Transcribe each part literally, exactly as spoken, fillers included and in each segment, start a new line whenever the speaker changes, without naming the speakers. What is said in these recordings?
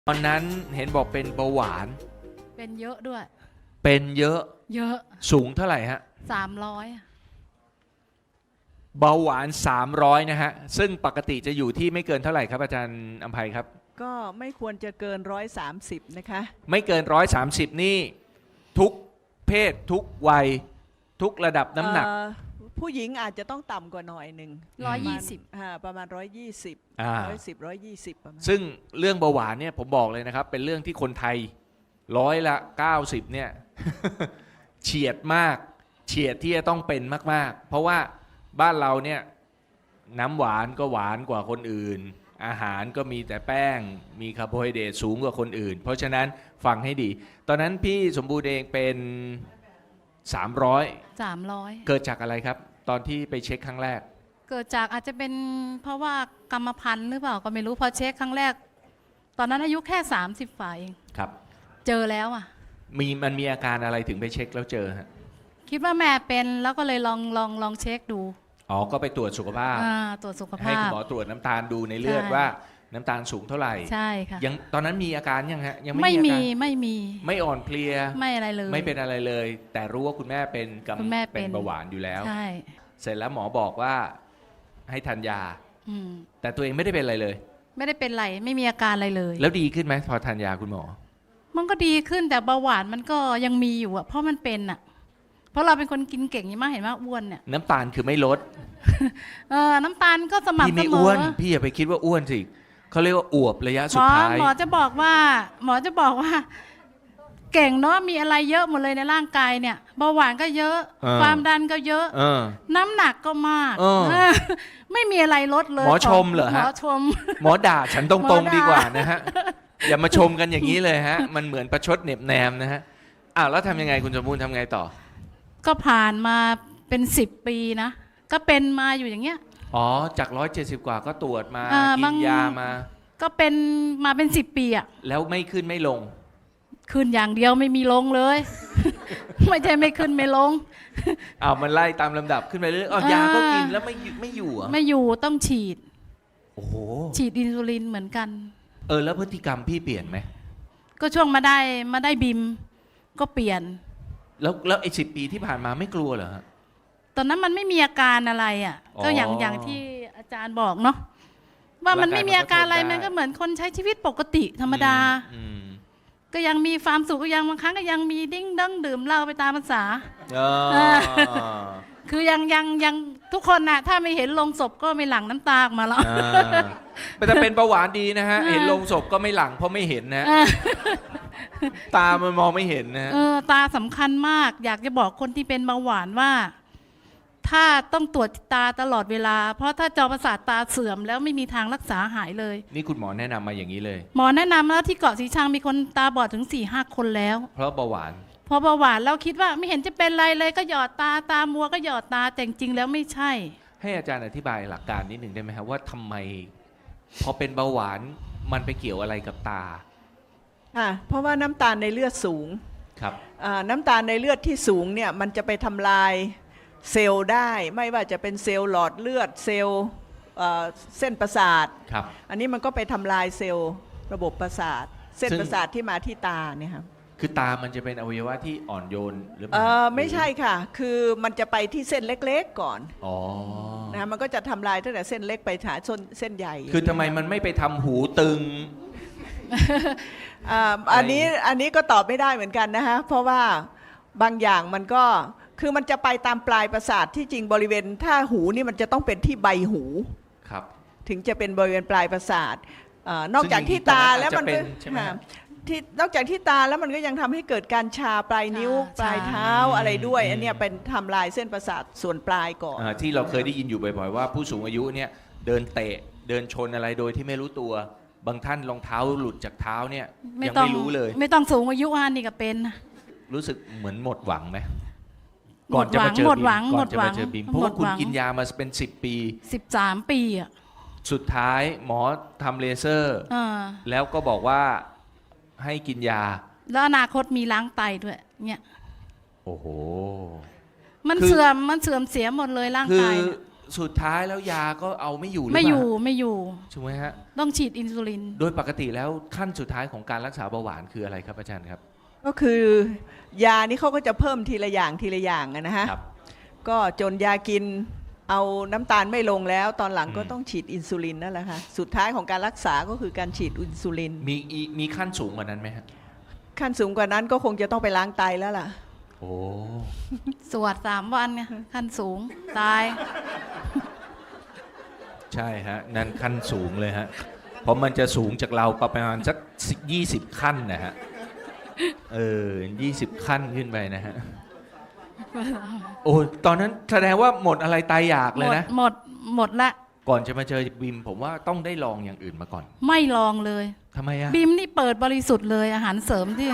ตอนนั้นเห็นบอกเป็นเบาหวาน
เป็นเยอะด้วย
เป็นเยอะ
เยอะ
สูงเท่าไหร่ฮะ
สามร้อย
เบาหวานสามร้อยนะฮะซึ่งปกติจะอยู่ที่ไม่เกินเท่าไหร่ครับอาจารย์อำไพครับ
ก็ไม่ควรจะเกินร้อยสามสิบนะคะ
ไม่เกินร้อยสามสิบนี่ทุกเพศทุกวัยทุกระดับน้ำหนัก
เอ่อผู้หญิงอาจจะต้องต่ำกว่าหน่อยหนึ่ง
ร้อยยี่สิบ
อ่าประมาณร้อยยี่สิบ
อ่า
ร้อยสิบร้อยยี่สิบประมาณ
ซึ่งเรื่องเบาหวานเนี่ยผมบอกเลยนะครับ เป็นเรื่องที่คนไทยร้อยละเก้าสิบเนี่ย เฉียดมากเฉียดที่จะต้องเป็นมากๆ เพราะว่าบ้านเราเนี่ยน้ำหวานก็หวานกว่าคนอื่น อาหารก็มีแต่แป้งมีคาร์โบไฮเดรตสูงกว่าคนอื่น เพราะฉะนั้นฟังให้ดี ตอนนั้นพี่สมบูรณ์เองเป็นสามร้อย
สามร้อย
เกิดจากอะไรครับ ตอนที่ไปเช็คครั้งแรก
เกิดจากอาจจะเป็นเพราะว่ากรรมพันธุ์หรือเปล่าก็ไม่รู้พอเช็คครั้งแรก ตอนนั้นอายุแค่สามสิบฝ่าเอง
ครับ
เจอแล้วอ่ะ
มีมันมีอาการอะไรถึงไปเช็คแล้วเจอฮะ
คิดว่าแม่เป็นแล้วก็เลยลองลองลองเช็คดู
อ๋อก็ไปตรวจสุขภาพ
อ่าตรวจสุข
ให้
ภา
คุณ
พ
หมอตรวจน้ำตาลดูในเลือด
ใช่
ว่าน้ำตาลสูงเท่าไหร่
ใช่ค่ะ
ยังตอนนั้นมีอาการยังฮะยังไม่
ไม่
มีอา
มี
การ
ไม่มี
ไม่อ่อนเพลีย
ไม่อะไรเลย
ไม่เป็นอะไรเลย แต่รู้ว่าคุณแม่เป็นกำ
คุณแม่เป็น
เป็นเบาหวานอยู่แล้ว
ใช่
เสร็จแล้วหมอบอกว่าให้ทานยา
อืม
แต่ตัวเองไม่ได้เป็นอะไรเลย
ไม่ได้เป็นไรไม่มีอาการอะไรเลย
แล้วดีขึ้นไหมพอทานยาคุณหมอ
มันก็ดีขึ้นแต่เบาหวานมันก็ยังมีอยู่อะเพราะมันเป็นอะเพราะเราเป็นคนกินเก่งอย่างมากเห็นว่าอ้วนเนี่ย
น้ำตาลคือไม่ลด
เออน้ำตาลก็ส
พี่
ม่ำเส
ไม่
ม
อ้ว
อน
พี่อย่าไปคิดว่าอ้วนสิเขาเรียกว่าอวบระยะ
ห
สุ
ม
ด
อ
ท้าย
หมอจะบอกว่า หมอจะบอกว่า เก่งเนาะมีอะไรเยอะหมดเลยในร่างกายเนี่ยเบาหวานก็เยอะ
เออ
ความดันก็เยอะ
เออ
น้ำหนักก็มาก
เออ
เออไม่มีอะไรลดเลย
หมอชมเหรอฮะ
หมอชม
หมอด่าฉันต
หม
ร
อง ด่า
ๆดีกว่านะฮะ อย่ามาชมกันอย่างนี้เลยฮะ มันเหมือนประชดเหน็บแนมนะฮะอ้าวแล้วทำยังไงคุณสมบูรณ์ทำไงต่อ
ก็ผ่านมาเป็นสิบปีนะก็เป็นมาอยู่อย่างเงี้ย
อ๋อ จากร้อยเจ็ดสิบกว่าก็ตรวจมา
อ่า
กิ
บาน ง
ยามา
ก็เป็นมาเป็นสิบปีอะ
แล้วไม่ขึ้นไม่ลง
ขึ้นอย่างเดียวไม่มีลงเลย ไม่ใช่ไม่ขึ้นไม่ลง
อ้าวมันไล่ตามลำดับขึ้นไปเรื่อยๆอ๋อ
อ่าย
ยาก็กินแล้วไม่อยู่ไม่อยู่เหรอ่ะ
ไม่อยู่ต้องฉีด
โอ้โห
ฉีดอินซูลินเหมือนกัน
เออแล้วพฤติกรรมพี่เปลี่ยนไหม
ก็ช่วงมาได้มาได้บิมก็เปลี่ยน
แล้วแล้วไอ้สิบปีที่ผ่านมาไม่กลัวเหรอฮะ
ตอนนั้นมันไม่มีอาการอะไรอ่ะ
อ๋อ
ก็อย่างอย่างที่อาจารย์บอกเนาะว่ามันไม่มีอาการอะไร
ร่างกายมันก็ทนได้
มันก็เหมือนคนใช้ชีวิตปกติธรรมดา
อืม
ก็ยังมีความสุขก็ยังบางครั้งก็ยังมีดิ้งดั้งดื่มเหล้าไปตามภาษา
อ๋อ
คือยังยังยังทุกคนน่ะถ้าไม่เห็นลงศพก็ไม่หลั่งน้ำตาออกมาแล้ว
อ่าแต่เป็นเบาหวานดีนะฮะ
อ่า
เห็นลงศพก็ไม่หลังเพราะไม่เห็นนะฮะ
เออ
ตามันมองไม่เห็นนะฮะ
เออตาสำคัญมาก อยากจะบอกคนที่เป็นเบาหวานว่า ถ้าต้องตรวจตาตลอดเวลา เพราะถ้าจอประสาทตาเสื่อมแล้วไม่มีทางรักษาหายเลย
นี่คุณหมอแนะนำมาอย่างนี้เลย
หมอแนะนำแล้วที่เกาะสีชังมีคนตาบอดถึงสี่ห้าคนแล้ว
เพราะเบาหวาน
พอเบาหวานเราคิดว่าไม่เห็นจะเป็นไรเลยก็หยอดตาตามัวก็หยอดตาแต่จริงๆแล้วไม่ใช่
ให้อาจารย์อธิบายหลักการนิดหนึ่งได้ไหมครับว่าทำไม พอเป็นเบาหวานมันไปเกี่ยวอะไรกับตา
อ่าเพราะว่าน้ำตาลในเลือดสูง
ครับ
อ่าน้ำตาลในเลือดที่สูงเนี่ยมันจะไปทำลายเซลล์ได้ ไม่ว่าจะเป็นเซลล์หลอดเลือดเซลล์เอ่อเส้นประสาท
ครับ
อันนี้มันก็ไปทำลายเซลล์ระบบประสาท เส้น
ซึ่ง
ประสาทที่มาที่ตาเนี่ยครับ
คือตามันจะเป็นอวัยวะที่อ่อนโยนหรือเป
เอ
ล่า
อไม่ใช่ค่ะ คือมันจะไปที่เส้นเล็กๆก่อน
อ๋อ
นะมันก็จะทำลายตั้งแต่เส้นเล็กไปหาส้นเส้นใหญ่
คือทำไมมันไม่ไปทำหูตึง
อ่าอันนี้อันนี้ก็ตอบไม่ได้เหมือนกันนะฮะเพราะว่าบางอย่างมันก็คือมันจะไปตามปลายประสาทที่จริงบริเวณถ้าหูนี่มันจะต้องเป็นที่ใบหู
ครับ
ถึงจะเป็นบริเวณปลายประสาทเอ่อนอกจากที่ตาแล้วมันก็
ซึ่งจริงๆตอนนั้นอาจจะเป็นใช่ไหมฮะ
ค่ะที่นอกจากที่ตาแล้วมันก็ยังทำให้เกิดการชาปลายนิ้ว
ชา
ปลายเท้า
ชา
อะไรด้วย
อืม
อันเนี้ยเป็นทำลายเส้นประสาทส่วนปลายก่อน
อ่าที่เราเคยได้ยินอยู่บ่อยๆว่าผู้สูงอายุเนี่ยเดินเตะเดินชนอะไรโดยที่ไม่รู้ตัว บางท่านรองเท้าหลุดจากเท้าเนี่ยยัง
ต้อง
ไม่รู้เลย
ไม่ต้องสูงอายุอันนี่ก็เป็น
รู้สึกเหมือนหมดหวังไหมก่อนจะมาเจอ
หมด
บิม
หวัง
ก่
หม
อน
ด
จะ
หวั
มาง เจอบิมเพราะว่า
หมด
คุณ
หวัง
กินยามาเป็นสิบปี
สิบสามปีอ่ะ
สุดท้ายหมอทำเลเซอร์
เออ
แล้วก็บอกว่าให้กินยา
แล้วอนาคตมีล้างไตด้วยเนี่ย
โอ้โห
มัน
คือ
เสื่อมมันเสื่อมเสียหมดเลยร่าง
คื
กา
อย
เนี่ย
สุดท้ายแล้วยาก็เอาไม่อยู่หรือ
ไม่
เป
อ
ล่า
ยู่ไม่อยู่
ถูกไหมฮะ
ต้องฉีดอินซูลิน
โดยปกติแล้วขั้นสุดท้ายของการรักษาเบาหวานคืออะไรครับอาจารย์ครับ
ก็คือยานี่เขาก็จะเพิ่มทีละอย่างทีละอย่างอะนะฮะ
ครับ
ก็จนยากินเอาน้ำตาลไม่ลงแล้ว ตอนหลังก็
อืม
ต้องฉีดอินซูลินนั่นแหละค่ะสุดท้ายของการรักษาก็คือการฉีดอินซูลิน
มีอีมีขั้นสูงกว่านั้นไหมฮะ
ขั้นสูงกว่านั้นก็คงจะต้องไปล้างไตแล้วล่ะ
โอ้
สวดสามวันไงขั้นสูงตาย
ใช่ฮะ นั่นขั้นสูงเลยฮะ เพราะมันจะสูงจากเราประมาณสักยี่สิบขั้นนะฮะ เออยี่สิบขั้นขึ้นไปนะฮะ โอ้ตอนนั้นแสดงว่าหมดอะไรตายอยาก
ห
เล
ม
ย
ด
นะ
หมดหมดละ
ก่อนจะมาเจอบิมผมว่าต้องได้ลองอย่างอื่นมาก่อน
ไม่ลองเลย
ทำไมอะ
บิมนี่เปิดบริสุทธิ์เลยอาหารเสริมที่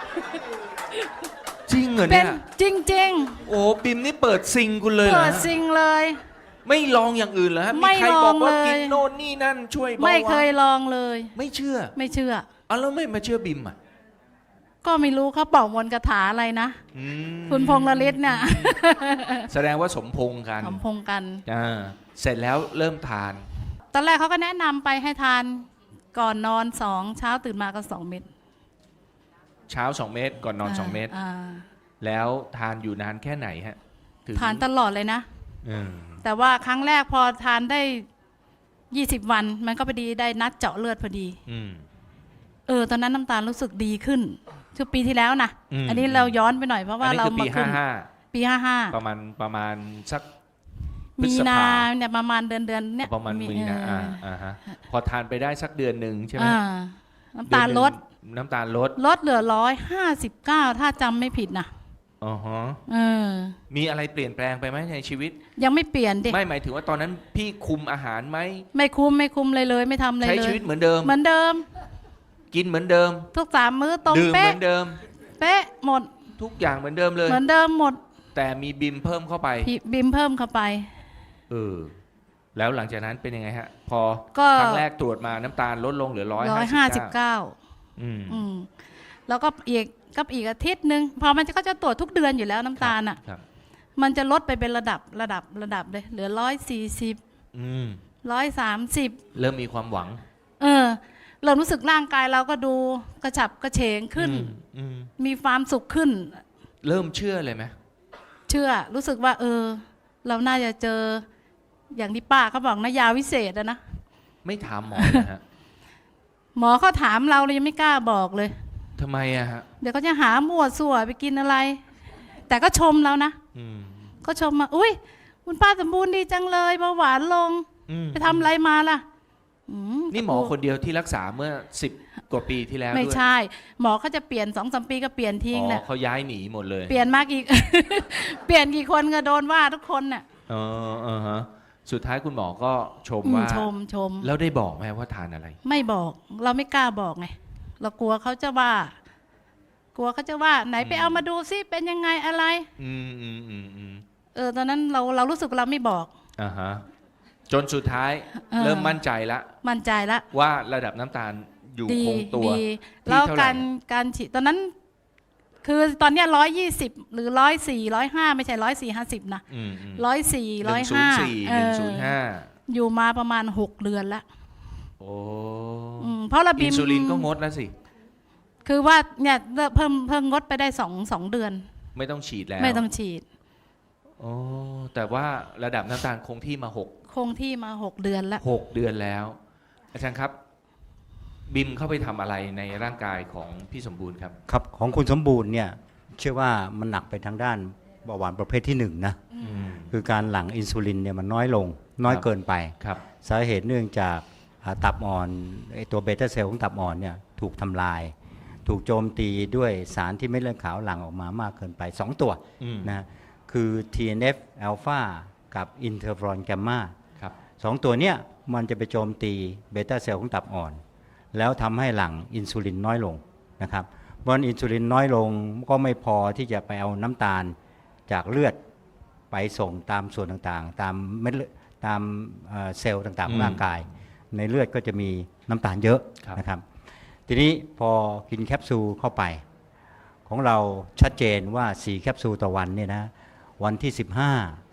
จริงเหรอ
เป็
เนี่
น
ย
จริง
โอ้บิมนี่เปิดซิงคุณเลย
ๆ
เหรอ
เปิด
ฮะ
ซิงเลย
ไม่ลองอย่างอื่นเหรอฮะ
ไม่
มีใครบอกว่า
ลองเลย
กินโน่นนี่นั่นช่วยเบาหวาน
ไม่เคยลองเลย
ไม่เชื่อ
ไม่เชื่อ
เอาแล้วไม่มาเชื่อบิมอ่ะ
ก็ไม่รู้เขาเป่ามนต์คาถาอะไรนะ
อืม
คุณพงษ์ละลิศเนี่ย
แสดงว่าสมพงษ์กัน
สมพงษ์กัน
อ่าเสร็จแล้วเริ่มทาน
ตอนแรกเขาก็แนะนำไปให้ทานก่อนนอนสองเช้าตื่นมาก็สองเม็ด
เช้าสองเม็ดก่อนนอนสองเม็ด
า
แล้วทานอยู่นานแค่ไหนฮะถึง
ทานตลอดเลยนะ
อืม
แต่ว่าครั้งแรกพอทานได้ยี่สิบวัน มันก็พอดีได้นัดเจาะเลือดพอดี
อืม
เออ ตอนนั้นน้ำตาลรู้สึกดีขึ้นช่วงปีที่แล้วนะ
อืม
อันนี้เราย้อนไปหน่อยเพราะว่า
อันนี้
เรา
คือ
มา
ปี
ขึ้
ห้าน ห้า
ปีห้าห้า
ประมาณประมาณสัก พฤ
มี
ษภา
นาเนี่ยประมาณเดือนเดือนเนี่ย
ประมาณมีนา
เอ
อ่า
อ
อ่าฮะพอทานไปได้สักเดือนหนึ่งใช่ไหม
อ่าน้ำตาลลด
เอนหนึ่งน้ำตาลลด
ลดเหลือร้อยห้าสิบเก้าถ้าจำไม่ผิดนะ
อ๋อฮะ
เออ
มีอะไรเปลี่ยนแปลงไปไหมในชีวิต
ยังไม่เปลี่ยนดิ
ไม่หมายถึงว่าตอนนั้นพี่คุมอาหารไหม
ไม่คุ้มไม่คุ้มเลยเลย ไม่ทำอะไร
ใช้
เล
ชี
ย
วิตเหมือนเดิม
เหมือนเดิม
กินเหมือนเดิม
ทุกสามมื้อตรง
ดื่มเห
เป๊ะ
มือนเดิม
เป๊ะหมด
ทุกอย่างเหมือนเดิมเลย
เหมือนเดิมหมด
แต่มีบิมเพิ่มเข้าไป
พี่บิมเพิ่มเข้าไป
เออ แล้วหลังจากนั้นเป็นยังไงฮะ พอ
ก็
ครั้งแรกตรวจมาน้ำตาลลดลงเหลือร้อย
ร้อย
ห้า
ห้า
สิ
สิ
บบ เก้า
เก้า
อืม
อืมแล้วก็อีกก็อีกอาทิตย์หนึ่งพอมันจะก็จะตรวจทุกเดือนอยู่แล้วน้ำตาลอ่ะ
ครับ
มันจะลดไปเป็นระดับระดับระดับเลย เหลือร้อยสี่สิบ
อืม
ร้อยสามสิบ
เริ่มมีความหวัง
เออเริ่มรู้สึกร่างกายเราก็ดูกระฉับกระเฉงขึ้น
อืมอืม
มีความสุขขึ้น
เริ่มเชื่อเลยไหม
เชื่อรู้สึกว่า เออ เราน่าจะเจอ อย่างที่ป้าเขาบอกนะยาวิเศษอะนะ
ไม่ถามหมอเลยฮะ
หมอเขาถามเราเรายังไม่กล้าบอกเลย
ทำไมอะฮะ
เดี๋ยวเขาจะหามั่วสั่วไปกินอะไร แต่ก็ชมเรานะ
อืม
ก็ชมมาอุ้ยคุณป้าสมบูรณ์ดีจังเลยเบาหวานลง
อืม
ไปทำอะไรมาล่ะอืม
นี่หมอคนเดียวที่รักษาเมื่อสิบกว่าปีที่แล้ว
ไม่
ด้วย
ใช่ หมอเขาจะเปลี่ยนสองสามปีก็เปลี่ยนทิ้ง
อ๋อ
น่ะ
เขาย้ายหนีหมดเลย
เปลี่ยนมากอีก เปลี่ยนกี่คนก็โดนว่าทุกคนน่ะ
เออเออฮะ สุดท้ายคุณหมอก็ชม
อืม
ว่า
ชมชม
แล้วได้บอกไหมว่าทานอะไร
ไม่บอก เราไม่กล้าบอกไงเรากลัวเขาจะว่า กลัวเขาจะว่า ไหนไป
อืม
เอามาดูซิเป็นยังไงอะไร
อืมอืมอืมอืม
เออตอนนั้นเราเรารู้สึกเราไม่บอก
อ่าฮะ จนสุดท้าย
เออ
เริ่มมั่นใจละ
มั่นใจละ
ว่าระดับน้ำตาลอยู่
ดี
คงตัว
ดี
ที่
แล้ว
เท่าไหร่
การการฉีดตอนนั้น คือตอนเนี้ร้อยยี่สิบหรือร้อยสี่ร้อยห้าไม่ใช่ร้อยสี่ห้าสิบนะ
อืมอืม
ร้อยสี่
ห
ร้อ
นึ่
ย
งศูน
ห้า
ย์สี่หนึ่งศูนย์ห้า
อยู่มาประมาณหกเดือนละ
โอ้
อืมเพราะระบิ
อิ
ม
นซูลินก็งดแล้วสิ
คือว่าเนี่ยเพิ่มเพิ่มงดไปได้สองสองเดือน
ไม่ต้องฉีดแล้ว
ไม่ต้องฉีด
โอ้แต่ว่าระดับน้ำตาลคงที่มาหก
คงที่มาหกเดือนละ
หกเดือนแล้ว อาจารย์ครับ บิมเข้าไปทำอะไรในร่างกายของพี่สมบูรณ์ครับ
ครับของคุณสมบูรณ์เนี่ยเชื่อว่ามันหนักไปทางด้านเบาหวานประเภทที่หนึ่งนะ
อืม
คือการหลั่งอินซูลินเนี่ยมันน้อยลง น้อย
ครับ
เกินไป
ครับ
สาเหตุเนื่องจากอ่าตับอ่อนไอตัวเบต้าเซลล์ของตับอ่อนเนี่ยถูกทำลาย ถูกโจมตีด้วยสารที่เม็ดเลือดขาวหลั่งออกมามากเกินไป สอง ตัว
อืม
นะคือ ที เอ็น เอฟ อลฟา กับอินเทอร์ฟรอนแกมมา
ครับ
สองตัวเนี่ยมันจะไปโจมตีเบต้าเซลล์ของตับอ่อน แล้วทำให้หลั่งอินซูลินน้อยลงนะครับเพราะฉะนั้นอินซูลินน้อยลงก็ไม่พอที่จะไปเอาน้ำตาลจากเลือดไปส่งตามส่วนต่างๆ ตามเม็ดเลือดตามเอ่อเซลล์ต่างๆของร่างกาย ในเลือดก็จะมีน้ำตาลเยอะ
ครับ
นะครับทีนี้พอกินแคปซูลเข้าไป ของเราชัดเจนว่าสี่แคปซูลต่อวันเนี่ยนะวันที่สิบห้า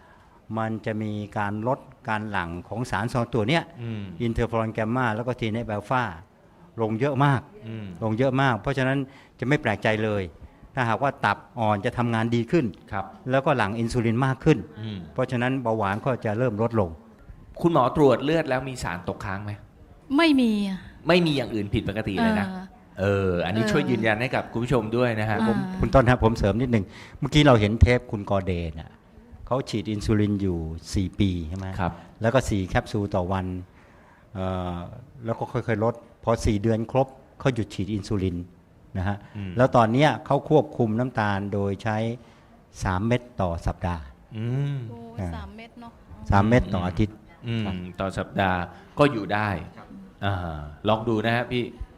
มันจะมีการลดการหลั่งของสารสองตัวเนี้ย
อืม
อินเทอร์ฟลอนแกมมาแล้วก็ทีเนฟแอลฟาลงเยอะมาก
อืม
ลงเยอะมาก เพราะฉะนั้นจะไม่แปลกใจเลย ถ้าหากว่าตับอ่อนจะทำงานดีขึ้น
ครับ
แล้วก็หลั่งอินซูลินมากขึ้น
อืม
เพราะฉะนั้นเบาหวานก็จะเริ่มลดลง
คุณหมอตรวจเลือดแล้วมีสารตกค้างไหม
ไม่มีอะ
ไม่มีอย่างอื่นผิดปกติเลยนะ
ออ
เออ อันนี้
เออ
ช่วยยืนยันให้กับคุณผู้ชมด้วยนะฮะ
อ่า
ผม
คุณต้นครับผมเสริมนิดหนึ่งเมื่อกี้เราเห็นเทปคุณกอเดนอ่ะเขาฉีดอินซูลินอยู่ สี่ ปีใช่ไหม
ครับ
แล้วก็ สี่ แคปซูลต่อวันเอ่อแล้วก็ค่อยๆลด พอ สี่ เดือนครบเขาหยุดฉีดอินซูลินนะฮะ
อืม
แล้วตอนเนี้ยเขาควบคุมน้ำตาลโดยใช้ สาม เม็ดต่อสัปดาห์
อืม
โอ้ย
อ่า
สามเม็ดเนาะ
สาม เม็ดต่ออาทิตย์
อืมต่อสัปดาห์ก็อยู่ได้อ่าลองดูนะฮะพี่